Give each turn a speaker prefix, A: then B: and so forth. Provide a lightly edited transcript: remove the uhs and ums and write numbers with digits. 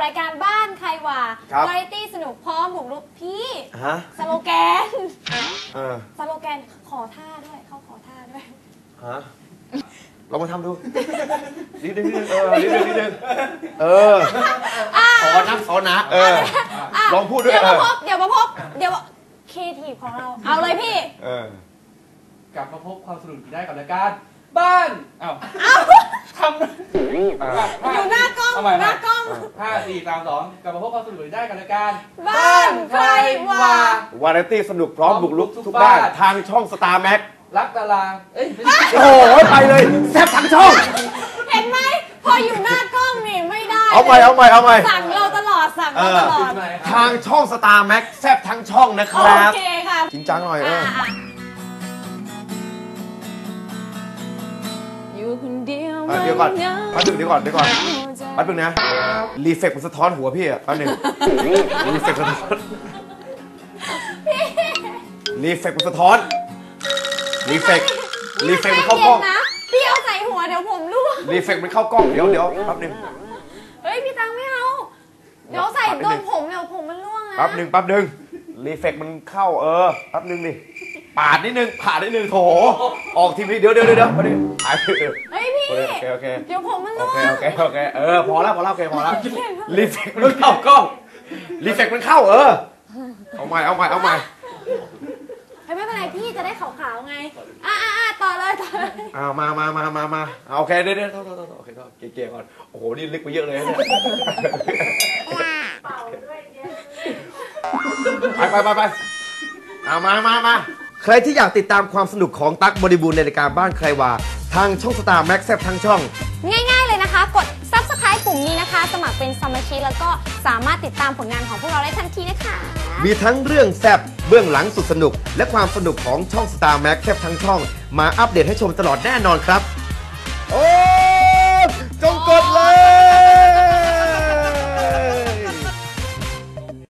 A: รายการบ้านใครว่าวาไรตี้สนุกพร้อมบุกรุกพี่สโลแกนสโลแกนขอท่าด้วยเขาขอท่าด้วย
B: ลองมาทำดูนิดนึงนิดนึงสอนนะลองพูดด้วย
A: เดี๋ยวมาพบครีเอทีฟของเราเอาเลยพี่
C: กลับมาพบความสนุกได้กับรายการบ้านทำ
A: อยู่หน้ากล้อง
C: 5 4 3 2กลับมาพบความสนุกได้กับรายการ
A: บ้านใครว่
B: าวาไรตี้สนุกพร้อมบุกรุกทุกบ้านทางช่องสตาร์แม็ก
C: รักดารา
B: โอ้โหไปเลยแซ่บทั้งช่อง
A: เห็นไหมพออยู่หน้ากล้องนี่ไม่ได้
B: เอาใหม่
A: สั่งเราตลอด
B: ทางช่องสตาร์แม็กแซ่บทั้งช่องนะครับ
A: โอเคค่ะ
B: จริงจังหน่อยเดี๋ยวก่อนแป๊บนึงเดี๋ยวก่อนแป๊บนึงนะรีเฟกมันสะท้อนหัวพี่อ่ะแป๊บนึงรีเฟกมันสะท้อนรีเฟกมันเข้ากล้อง
A: พี่เอาใส่หัวเดี๋ยวผมร่วง
B: รีเฟกมันเข้ากล้องเดี๋ยวแป๊บนึง
A: เฮ้ยพี่ตังไม่เอาเดี๋ยวใส่โดนผมเดี๋ยวผมมันร่วงนะ
B: แป๊บนึงรีเฟกมันเข้าแป๊บนึงดิปาดนิดนึงโถออกทีวีเดี๋ยวมาดิ
A: เฮ้ยพี่
B: โอเค
A: เดี๋ยวผมมันร่วง
B: โอเคพอแล้วโอเคพอแล้วรีเฟกมันเข้ากล้องรีเฟกมันเข้าเอาใหม่
A: ไม่เป็นไรพี่จะได้ขาวๆไงต่อเลย
B: มาโอเคเดี๋ยวโอเคเก๋ๆก่อนโอ้โหนี่ลึกไปเยอะเลยเนี่ย
A: เป่าด้วย
B: ไปมาใครที่อยากติดตามความสนุกของตั๊กบริบูรณ์ในรายการบ้านใครว่าทางช่องสตาร์แม็กซ์แซ่บทั้งช่อง
A: ง่ายๆเลยนะคะกด Subscribe ปุ่มนี้นะคะสมัครเป็นสมาชิกแล้วก็สามารถติดตามผลงานของพวกเราได้ทันทีนะคะ
B: มีทั้งเรื่องแซ่บเบื้องหลังสุดสนุกและความสนุกของช่องสตาร์แม็กซ์แซ่บทั้งช่องมาอัปเดตให้ชมตลอดแน่นอนครับ